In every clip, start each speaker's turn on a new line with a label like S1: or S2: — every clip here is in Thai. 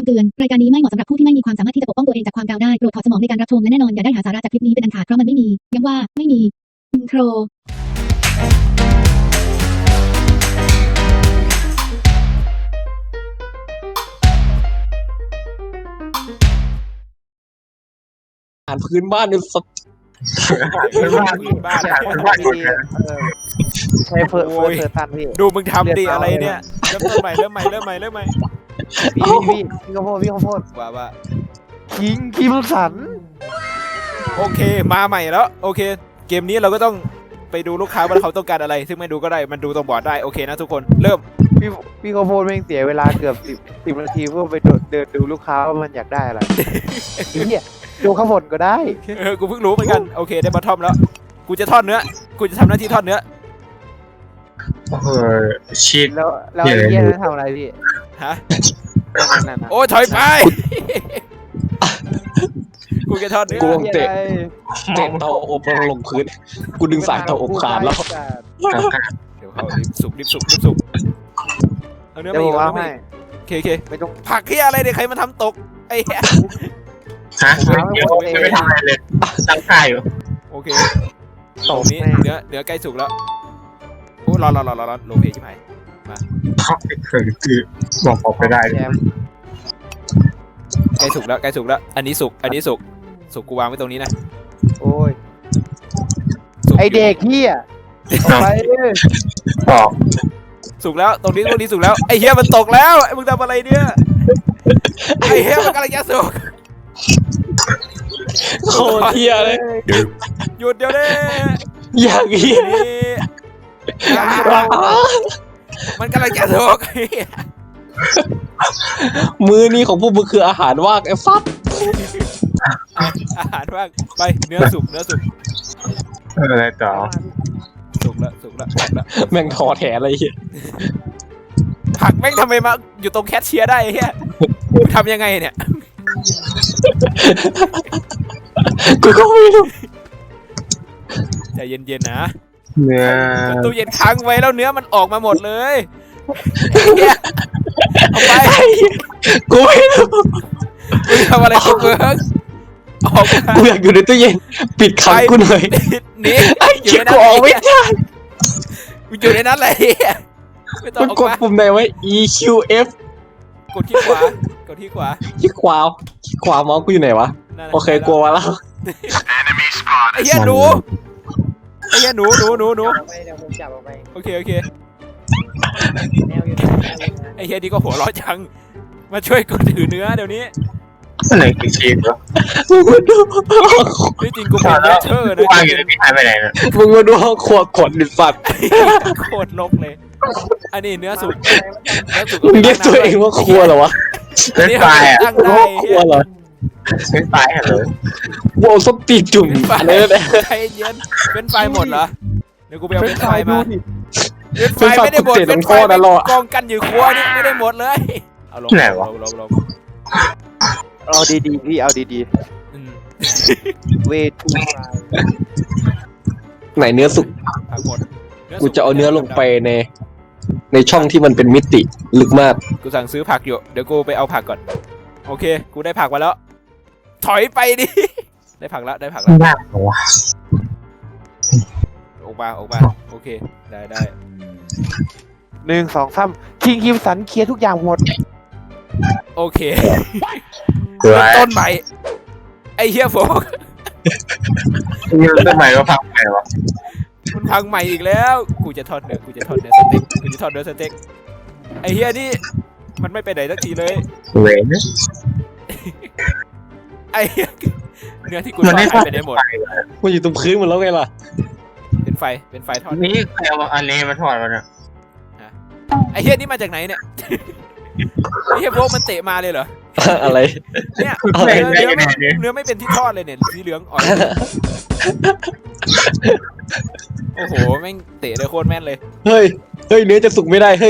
S1: เตือนรายการนี้ไม่เหมาะสำหรับผู้ที่ไม่มีความสามารถที่จะปกป้องตัวเองจากความกาวได้โปรดถอดสมองในการรับชมและแน่นอนอย่าได้หาสาระจากคลิปนี้เป็นอันขาดเพราะมันไม่มีย้ำว่าไม่มีอินโทร
S2: อาหารพื้นบ้านเนี่ยสัตว์
S3: พื้นบ้านดีใช้เฟิร์สตันพี่
S4: ดูมึงทำดิอะไรเนี่ยเริ่มใหม่
S3: พี่ข้าวโพด
S4: ว่า
S3: คิมสัน
S4: โอเคมาใหม่แล้วโอเคเกมนี้เราก็ต้องไปดูลูกค้าว่าเขาต้องการอะไรซึ่งไม่ดูก็ได้มันดูตรงบอร์ดได้โอเคนะทุกคนเริ่ม
S3: พี่ข้าวโพดแม่งเสียเวลาเกือบ10 นาทีเพื่อไปเดินดูลูกค้าว่ามันอยากได้อะไรเนี่ยดูข้าวผลก็ได้
S4: กูเพิ่งรู้เหมือนกันโอเคได้บอททอมแล้วกูจะทอดเนื้อกูจะทำหน้าที่ทอดเนื้อ
S5: ชีส
S3: แล้วไอ้เหี้ยนั่นทำอะไรพี่
S4: ฮะโอ้ถอยไปกูจะทอดเนื้อ
S2: กูเตะเตาอบลงพื้นกูดึงสายเตาอบขาดแล้ว
S4: เดี๋ยวเขารีบสุกเอาเนื้อมาอีกแล้วไม่เค
S3: ไม่ต้อง
S4: ผักเหี้ยอะไรเนี่ยใครมาทำตกไอ้เหี้ย
S5: ฮะไม่ทำอะไรเลยตั้งค่ายอยู่
S4: โอเคตรงนี้เนื้อใกล้สุกแล้วโอ้รอโลเพชิบหายมา
S5: คือบอกออกไปได้
S4: ใกล้สุกแล้วอันนี้สุกกูวางไว้ตรงนี้นะ
S3: โอ้ยไอเด็กเหี้ยไป
S5: บอก
S4: สุกแล้วตรงนี้สุกแล้วไอเหี้ยมันตกแล้วไอมึงทำอะไรเนี่ยไอเหี้ยมันกำลังจะสุก
S2: โคตรเหี้ยเลย
S4: หยุดเดี๋ยวนี้
S2: อย่างนี้
S4: มันกำลังจะสุก
S2: มือนี้ของพวกมึงคืออาหารว่างไอ้ฟัด
S4: อาหารว่างไปเนื้อสุก
S5: อะไรต่อ
S4: สุกแล้ว
S2: แม่งทอแถอะไรเหี้ย
S4: ผักแม่งทำไมมาอยู่ตรงแคชเชียร์ได้เหี้ยทำยังไงเนี่ย
S2: กูก็ไม่รู้
S4: ใจเย็นๆนะ
S5: เนื้อ
S4: ตู้เย็นค้างไว้แล้วเนื้อมันออกมาหมดเลยเอาไป
S2: กูไม่รู้
S4: ทำอะไรกูเบิร์กออกมา
S2: กูอยากอยู่ในตู้เย็นปิดขังกูหน่อย
S4: นี่
S2: ไอ้เชี่ยกูออกไม่ได้
S4: กูอยู่ในนั้นเลยไม่ต้องออกมาก
S2: ดปุ่มไหนไว้ EQF
S4: กดที่ขวาที่ขวา
S2: เมาส์กูอยู่ไหนวะโอเคกลัวแล้ว
S4: ไอ้เหี้ยหนูโอเคไอ้เหี้ยนี่ก็หัวร้อนจังมาช่วยกูถือเนื้อเดี๋ยวนี้
S5: อะไรคือชีสเหรอ
S4: ไม่จริงกูเป็นเชอร์นะ
S5: วางอยู่ในพี่หายไปไหนเนี่ย
S2: มึงมาดูห้องครัวขนดิสัตว์
S4: โคตรลกเลยอันนี้เนื้อสุก
S2: มึงเรียกตัวเองว่าครัวเหรอวะ
S5: เป็นไฟอ่ะ
S2: ครัวเหรอ
S5: เป็นไฟเหรอ
S2: ว้าวส้มตีจุ่ม
S4: เลยใจเย็นเป็นไฟหมดเหรอเดี๋ยวกูไปเอาเป็นไฟมาเป็นไฟไม่ได้หมดเป็นไฟกองกันอยู่ครัวนี่ไม่ได้หมดเลยเอาลง
S3: เอาดีๆพี่เอาดีๆเวทู
S2: ไหนเนื้อสุกกูจะเอาเนื้อลงไปในช่องที่มันเป็นมิติลึกมาก
S4: กูสั่งซื้อผักอยู่เดี๋ยวกูไปเอาผักก่อนโอเคกูได้ผักมาแล้วถอยไปดิได้ผักแล้ว
S5: ยากเหรอวะ
S4: ออกมาโอเคได้
S3: 1 2 3คิมสันเคลียร์ทุกอย่างหมด
S4: โอเคต้นใหม่ไอ้เหี้ยโฟก
S5: ต้นใหม่ก็พังไปวะ
S4: มันพังใหม่อีกแล้วกูจะทอดเนื้อสเต็กไอ้เหี้ยนี่มันไม่ไปไหนสักทีเลย
S5: เว้ย
S4: ไอ้เนื้อที่กูทอดไปไหนหมด
S2: มันอยู่ตรงพื้นหมดแล้วไงล่ะ
S4: เป็นไฟทอด
S5: นี่ใครเอาอันนี้มาทอดมาเนี่ย
S4: ไอ้เหี้ยนี่มาจากไหนเนี่ยไอ้เหี้ยพวกมันเตะมาเลยเหรอ
S2: อะไร
S4: เนี่ยเนื้อไม่เป็นที่ทอดเลยเนี่ยสีเหลืองอ่อนโอ้โหแม่งเตะเลยโคตรแม่นเลย
S2: เฮ้ยเนื้อจะสุกไม่ได้เฮ้ย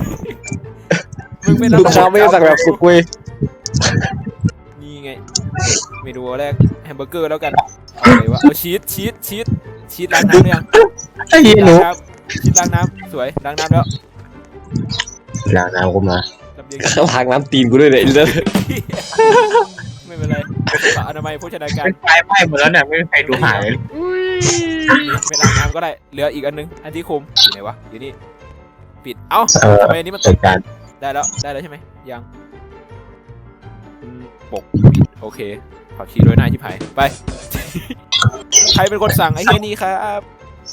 S2: ลูกค้าไม่ได้สั่งแบบสุกเว้ย
S4: นี่ไงเมนูแรกแฮมเบอร์เกอร์แล้วกันอะไรวะเอาชีสล้างน้ำหรือยัง
S5: ไอ้หนู
S4: ชีสล้างน้ำสวยล้างน้ำแล้ว
S5: ล้างน้ำกูมา
S4: เเดี๋ยว
S2: ล้างน้ำตีนกูด้วยเนี่ยไอ้เลิศ
S4: ไม่เป็นไรอนามัยโภชนาการ
S5: เป็นไฟไหม้หมดแล้วเนี่ยไม่มีใครดูหายเลย
S4: ไม่ล้างน้ำก็ได้เหลืออีกอันนึงอันที่คุมอยู่ไหนวะอยู่นี่ปิดเอ้าทำไมอันนี้มัน
S5: จัดการ
S4: ได้แล้วใช่ไหมยังปกปิดโอเคผักชีโรยหน้าชิบหายไป ใครเป็นคนสั่งไอ้เฮียนี่ครับ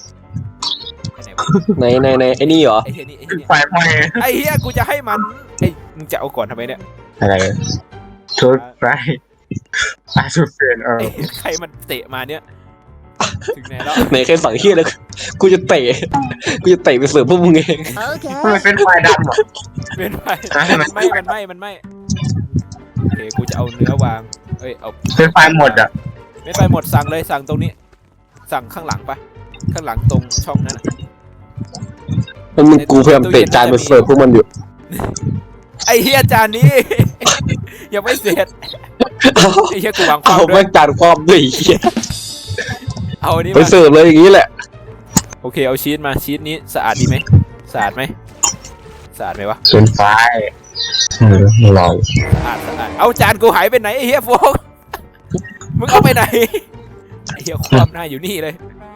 S4: ไหนวะ
S2: ในไอ้นี่เหรอ
S4: ไอ้เฮียนี่
S5: ไฟไหม้
S4: ไอ้เฮียกูจะให้มันไอ้มึงจะเอาก่อนทำไมเนี่ย
S5: อะไรชุดไฟชุดเปลี่ยน
S4: ไอ้ใครมันเตะมาเนี่ยถึงไหนแล้ว
S2: ไหนใครสั่งเฮียแล้วกูจะเตะไปเสิร์ฟพวกมึงเอง
S5: มันเป็นไฟดำเหรอ
S4: เป็นไฟมันไหม้โอเคกูจะเอาเนื้อวางเอ้ยเอา
S5: เป็นไฟหมดอ่ะ
S4: ไม่ไปหมดสั่งเลยสั่งตรงนี้ สั่งข้างหลังปะข้างหลังตรงช่องนั้นน่ะ
S2: แล้วมึงกูพยายามเตะจานไปเสิร์ฟพวกมันอยู่
S4: ไอ้เฮียจานนี้ ยังไม่เสร็จไอ้เฮียกูวางควา
S2: เอา
S4: มด้ว
S2: แม่
S4: ย
S2: งจานความด้วยไอ้เฮีย
S4: เอาอันนี้
S2: ไป
S4: มา
S2: เสิร์ฟเลยอย่างนี้แหละ
S4: โอเคเอาชีสมาชีสนี้สะอาดดีไหมสะอาดไหมสะอาดไหมวะ
S5: เป็นไฟลอย
S4: สะอาดเอาจานกูหายไปไหนไอ้เฮียโฟกมึงเอาไปไหนไอ้เฮียความหน้าอยู่นี่เลย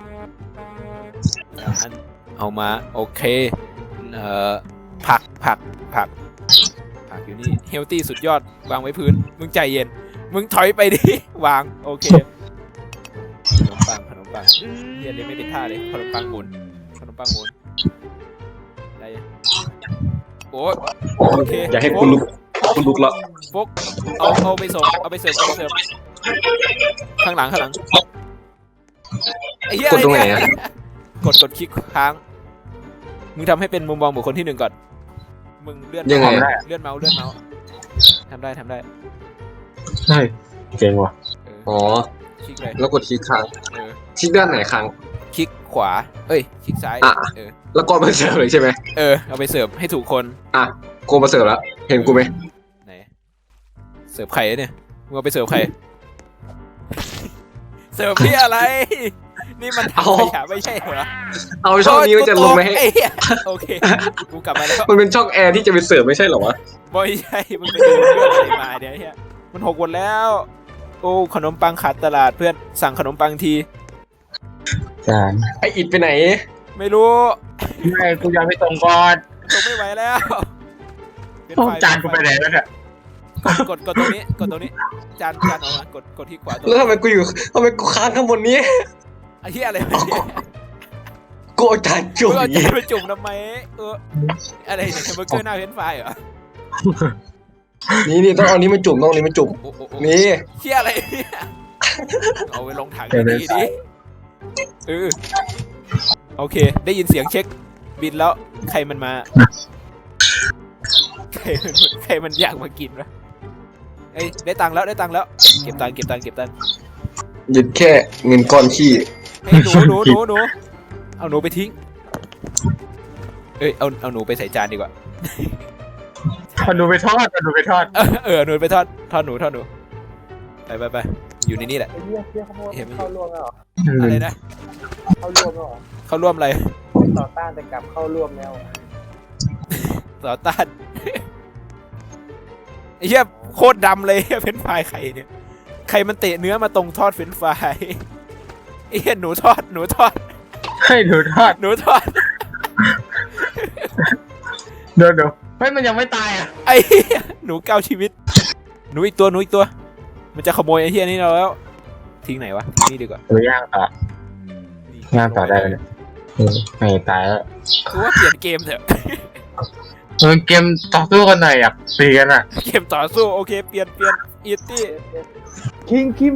S4: เอามาโอเคผักอยู่นี่เฮลตี้สุดยอดวางไว้พื้นมึงใจเย็นมึงถอยไปดิ วางโอเคขนมปังเรียนไม่เป็นท่าเลยขนมปังหมุนได้ยังโอ้โอเค
S2: อย่าให้กูลุกแล้ว
S4: ฟกเอาไปส่งเอาไปเสิร์ฟข้างหลังไอ้เหี้ย
S2: กดตรงไหนอะ
S4: กดคลิกค้างมึงทำให้เป็นมุมมองบุคคลที่หนึ่งก่อนมึงเลื่อน
S2: ยังไง
S4: เลื่อนเมาส์ทำได้
S5: ใช่เก่งว่ะ
S2: อ๋อ
S4: คลิกเลย
S2: แล้วกดคลิกค้าง
S4: เออ
S2: คลิกด้านไหนค้าง
S4: คลิกขวาเอ้ยคลิกซ้าย
S2: อ่ะ แล้วก็มาเสิร์ฟเลยใช่ไหม
S4: เอาไปเสิร์ฟให้ถูกคน
S2: อ่ะกูมาเสิร์ฟแล้วเห็นกูไหม
S4: ไหนเสิร์ฟไข่เนี่ยมึงเอาไปเสิร์ฟไข่ เสิร์ฟพี่อะไร นี่มันถังขยะไม่ใช่เหรอ
S2: เอาช่องนี้มันจะลงไปให้
S4: ไอ้เหี้ยโอเคกูกลับมาแล้ว
S2: มันเป็นช่องแอร์ที่จะไปเสิร์ฟไม่ใช่เหรอวะ
S4: ไม่ใช่มึงไปดูเรื่องอะไรมาเดี๋ยวไอ้เหี้ยมัน6 วันแล้วโอ้ขนมปังขาดตลาดเพื่อนสั่งขนมปังที
S5: จาน
S2: ไออิดไปไหน
S4: ไม่รู้
S5: ไม่กูยังไม่ตรงก่อน
S4: ส่งไม่ไหวแล้วเป็นไฟ
S5: จานกูไปไหนแล้วเนี่ย
S4: กดตรงนี้จานออกมากดที่ขวาตรง
S2: แล้วทำไมกูค้างข้างบนนี้
S4: ไอ้เหี้ยอะไรวะเนี่ย
S2: กูเอาจานจุ่ม
S4: มึงเอา
S2: อย่าง
S4: จาน
S2: นี้
S4: ไปจุ่มทำไมอะไรเนี่ยเบอร์เกอร์หน้าเฟรนช์ฟรายเหรอ
S2: นี่ต้องเอานี้มาจุ่มต้องเอานี้มาจุ่ม
S4: โอ้
S2: นี่
S4: เชี่ยอะไรเนี่ยเอาไปลงถังดีดิโอเคได้ยินเสียงเช็คบินแล้วใครมันมาใครมันอยากมากินวะเอ้ยได้ตังค์แล้วเก็บตังค์
S2: หยุดแค่เงินก้อนขี้
S4: เฮ้ยหนูเอาหนูไปทิ้งเอ้ยเอาหนูไปใส่จานดีกว่า
S5: เอาหนูไปทอด
S4: หนูไปทอดหนูไปอยู่ในนี่แหละ
S3: ไอ้เหี้ยขโมยเข้าร่วมแล้วเหรอ
S4: อะไรนะ
S3: เข้าร่วมแล้วเหรอ
S4: เขาร่วมอะไร
S3: ต่อต้านแต่กลับเข้าร่วมแล้ว
S4: ต่อต้านไอ้เหี้ยโคตรดำเลยเฟรนช์ฟรายไข่เนี่ยใครมันเตะเนื้อมาตรงทอดเฟรนช์ฟรายไอ้เหี้ยหนูทอด
S5: ให้หนูทอด
S4: เ
S5: ดี๋ยวเฮ้ยมันยังไม่ตายอ่ะ
S4: ไอ้เหี้ยหนู9 ชีวิตหนูอีกตัวมันจะขโมยไอ้เหี้ยนี่เราแล้วทิ้งไหนวะนี่ดีกว่า
S5: หรือย่างต่อได้เลยไม่ตายแล้ว
S4: กูว่าเปลี่ยนเกมเถอะ
S5: เกมต่อสู้กันหน่อยอยากตีกันอ่ะ
S4: เกมต่อสู้โอเคเปลี่ยนอีตี้
S3: คิง